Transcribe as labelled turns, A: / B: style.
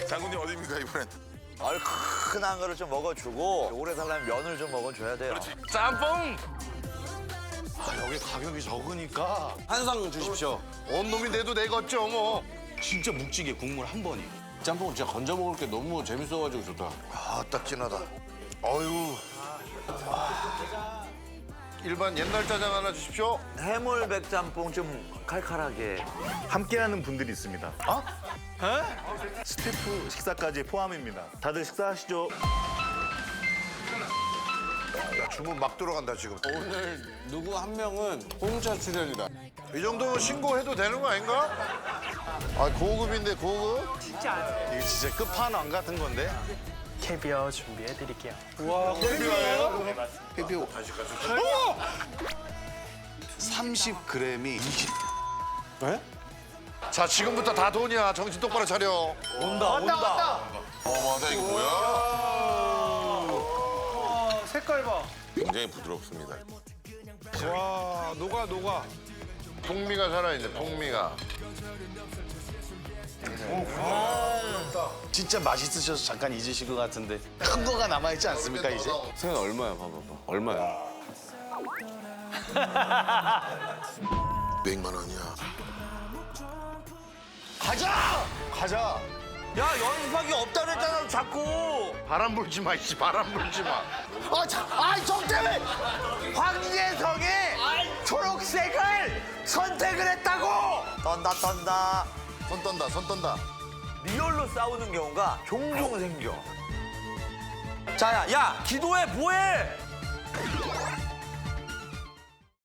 A: 장군님 어디입니까 이번엔?
B: 얼큰한 거를 좀 먹어주고 오래 살려면 면을 좀 먹어줘야 돼요.
A: 짬뽕!
C: 여기 가격이 적으니까
D: 한 상 주십시오.
C: 온 놈이 내도 내겠죠 뭐.
D: 진짜 묵찌개 국물 한 번이. 짬뽕은 진짜 건져 먹을 게 너무 재밌어가지고 좋다.
C: 딱 진하다. 어유. 일반 옛날 짜장 하나 주십시오.
B: 해물 백짬뽕 좀 칼칼하게.
E: 함께하는 분들이 있습니다. 스태프 식사까지 포함입니다. 다들 식사하시죠.
C: 야, 주문 막 들어간다 지금.
D: 오늘 누구 한 명은 공짜 출연이다.
C: 이 정도면 신고해도 되는 거 아닌가? 아 고급인데 고급?
E: 이거 진짜 끝판왕 같은 건데.
F: 캐비어 준비해드릴게요.
D: 피피오. 30g이 20.
C: 자 지금부터 다 돈이야. 정신 똑바로 차려.
B: 온다.
A: 맞아 이거 뭐야?
F: 색깔 봐.
A: 굉장히 부드럽습니다.
C: 와 녹아. 풍미가 살아있네. 풍미가.
D: 진짜 맛있으셔서 잠깐 잊으신 것 같은데 큰 거가 남아있지 않습니까 이제? 생각 얼마야 봐봐봐. 얼마야?
A: 100만 원이야.
D: 가자.
B: 야 연습하기 없다 그랬잖아 자꾸.
C: 바람 불지 마. 이씨 바람 불지 마.
B: 정 때문에 황예성이 초록색을 선택을 했다고. 떤다.
C: 손 떤다.
B: 리얼로 싸우는 경우가 종종 생겨. 야 기도해 뭐해?